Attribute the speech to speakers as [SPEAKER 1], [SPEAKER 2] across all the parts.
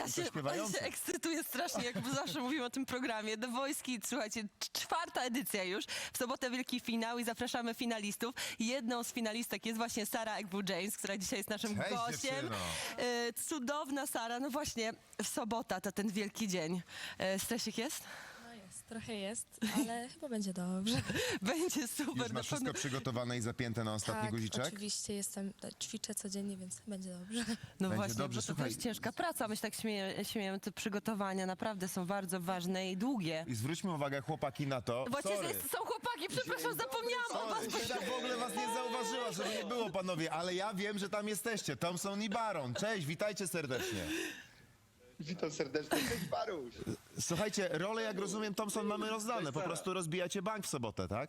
[SPEAKER 1] On się ekscytuje strasznie, jak zawsze mówimy o tym programie. The Voice Kids, słuchajcie, 4. edycja już. W sobotę wielki finał i zapraszamy finalistów. Jedną z finalistek jest właśnie Sara Egbu-James, która dzisiaj jest naszym
[SPEAKER 2] Cześć,
[SPEAKER 1] gościem.
[SPEAKER 2] dziewczyno.
[SPEAKER 1] Cudowna Sara. No właśnie, w sobota to ten wielki dzień. Stresik jest?
[SPEAKER 3] No jest, trochę jest, ale chyba będzie dobrze.
[SPEAKER 1] Będzie super.
[SPEAKER 2] Już masz wszystko przygotowane i zapięte na ostatni
[SPEAKER 3] Tak,
[SPEAKER 2] guziczek?
[SPEAKER 3] oczywiście ćwiczę codziennie, więc będzie dobrze.
[SPEAKER 1] No
[SPEAKER 2] Będzie
[SPEAKER 1] właśnie,
[SPEAKER 2] dobrze,
[SPEAKER 1] bo to
[SPEAKER 2] słuchaj.
[SPEAKER 1] jest ciężka praca. My się tak śmiejemy, te przygotowania naprawdę są bardzo ważne i długie.
[SPEAKER 2] I zwróćmy uwagę, chłopaki, na to.
[SPEAKER 1] Właśnie
[SPEAKER 2] Sorry.
[SPEAKER 1] są chłopaki, przepraszam, zapomniałam o was.
[SPEAKER 2] Sorry, Sara w ogóle was nie zauważyła, żeby nie było, panowie, ale ja wiem, że tam jesteście. Thompson i Baron. Cześć, witajcie serdecznie.
[SPEAKER 4] Witam serdecznie, cześć Baruś.
[SPEAKER 2] Słuchajcie, role, jak rozumiem, Thompson, mamy rozdane. Po prostu rozbijacie bank w sobotę, tak?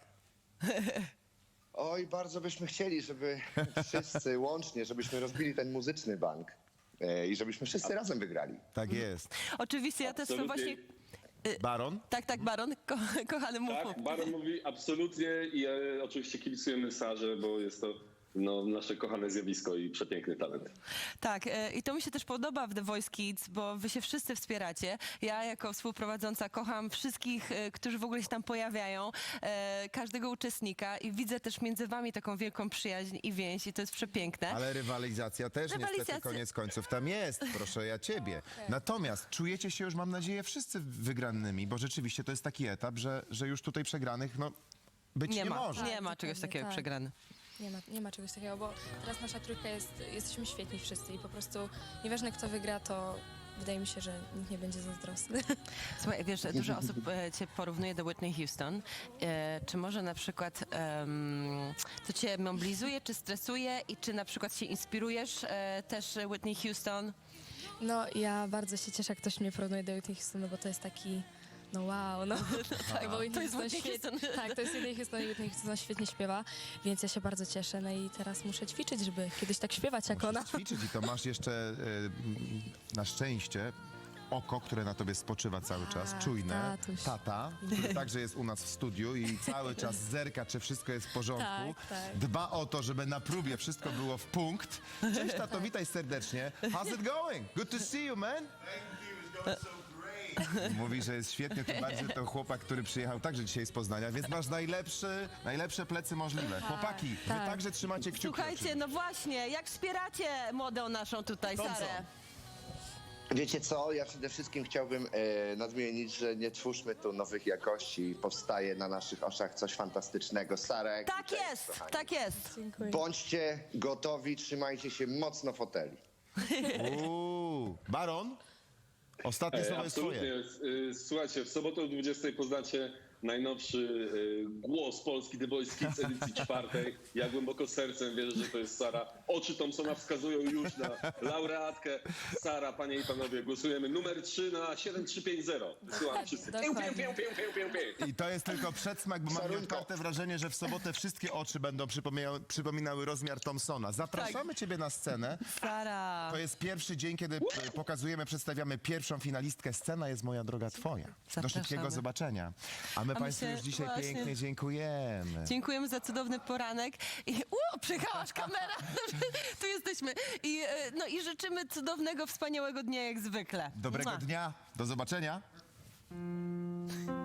[SPEAKER 4] Oj, bardzo byśmy chcieli, żeby wszyscy łącznie, żebyśmy rozbili ten muzyczny bank i żebyśmy wszyscy razem wygrali.
[SPEAKER 2] Tak jest.
[SPEAKER 1] Oczywiście, ja też
[SPEAKER 5] Absolutnie.
[SPEAKER 1] właśnie...
[SPEAKER 2] Baron?
[SPEAKER 1] Tak, Baron, kochany mów.
[SPEAKER 5] Tak, Baron mówi absolutnie i oczywiście kibicujemy Sarze, bo jest to nasze kochane zjawisko i przepiękny talent.
[SPEAKER 1] Tak, i to mi się też podoba w The Voice Kids, bo wy się wszyscy wspieracie. Ja jako współprowadząca kocham wszystkich, którzy w ogóle się tam pojawiają, każdego uczestnika i widzę też między wami taką wielką przyjaźń i więź i to jest przepiękne.
[SPEAKER 2] Ale rywalizacja też niestety
[SPEAKER 1] Rywalizacja-
[SPEAKER 2] koniec końców tam jest, proszę ja ciebie. Natomiast czujecie się już, mam nadzieję, wszyscy wygranymi, bo rzeczywiście to jest taki etap, że już tutaj przegranych, być nie może.
[SPEAKER 1] Nie ma czegoś
[SPEAKER 3] dokładnie,
[SPEAKER 1] takiego jak
[SPEAKER 3] tak.
[SPEAKER 1] przegrany.
[SPEAKER 3] Nie ma czegoś takiego, bo teraz nasza trójka jesteśmy świetni wszyscy i po prostu nieważne kto wygra, to wydaje mi się, że nikt nie będzie zazdrosny.
[SPEAKER 1] Słuchaj, wiesz, dużo osób cię porównuje do Whitney Houston. Czy może na przykład to cię mobilizuje, czy stresuje i czy na przykład się inspirujesz też Whitney Houston?
[SPEAKER 3] No ja bardzo się cieszę, jak ktoś mnie porównuje do Whitney Houston, no bo to jest taki... No wow, no. Tak, bo
[SPEAKER 1] To jest Whitney Houston.
[SPEAKER 3] Tak, to jest Whitney Houston i Whitney Houston świetnie śpiewa, więc ja się bardzo cieszę. No i teraz muszę ćwiczyć, żeby kiedyś tak śpiewać jak ona.
[SPEAKER 2] Ćwiczyć i to masz jeszcze na szczęście oko, które na tobie spoczywa cały czas,
[SPEAKER 3] Tak,
[SPEAKER 2] czujne,
[SPEAKER 3] tatuś.
[SPEAKER 2] tata, który także jest u nas w studiu i cały czas zerka, czy wszystko jest w porządku.
[SPEAKER 3] Tak, tak.
[SPEAKER 2] Dba o to, żeby na próbie wszystko było w punkt. Cześć tato, witaj serdecznie. How's it going? Good to see you, man. Mówi, że jest świetnie, tym bardziej to chłopak, który przyjechał także dzisiaj z Poznania, więc masz najlepsze plecy możliwe. Chłopaki, wy
[SPEAKER 3] tak.
[SPEAKER 2] także trzymacie kciuki.
[SPEAKER 1] Słuchajcie, no właśnie, jak wspieracie młodą naszą tutaj,
[SPEAKER 2] Thompson.
[SPEAKER 1] Sarę?
[SPEAKER 4] Wiecie co, ja przede wszystkim chciałbym nadmienić, że nie twórzmy tu nowych jakości, powstaje na naszych oczach coś fantastycznego. Sarek,
[SPEAKER 1] Tak
[SPEAKER 4] cześć,
[SPEAKER 1] jest,
[SPEAKER 4] kochani.
[SPEAKER 1] tak jest.
[SPEAKER 3] Dziękuję.
[SPEAKER 4] Bądźcie gotowi, trzymajcie się mocno foteli.
[SPEAKER 2] Baron? Ostatnie słowo jest twoje.
[SPEAKER 5] Absolutnie. Słuchajcie, w sobotę o 20 poznacie najnowszy głos Polski The Voice Kids edycji 4. Ja głęboko sercem wierzę, że to jest Sara. Oczy Thompsona wskazują już na laureatkę. Sara, panie i panowie, głosujemy numer 3 na 7350. Wysyłam wszyscy. Pię, pię, pię, pię, pię, pię, pię.
[SPEAKER 2] I to jest tylko przedsmak, bo mam
[SPEAKER 4] Sarunko.
[SPEAKER 2] nieodparte wrażenie, że w sobotę wszystkie oczy będą przypominały rozmiar Thompsona. Zapraszamy ciebie na scenę.
[SPEAKER 1] Sara.
[SPEAKER 2] To jest pierwszy dzień, kiedy przedstawiamy pierwszą finalistkę. Scena jest, moja droga, twoja. Do
[SPEAKER 1] Zapraszamy.
[SPEAKER 2] szybkiego zobaczenia. A my
[SPEAKER 1] my
[SPEAKER 2] państwu
[SPEAKER 1] się
[SPEAKER 2] już dzisiaj
[SPEAKER 1] właśnie-
[SPEAKER 2] pięknie dziękujemy.
[SPEAKER 1] Dziękujemy za cudowny poranek. I przyjechałaś kamera. Tu jesteśmy. I życzymy cudownego, wspaniałego dnia jak zwykle.
[SPEAKER 2] Dobrego
[SPEAKER 1] Mua.
[SPEAKER 2] dnia. Do zobaczenia.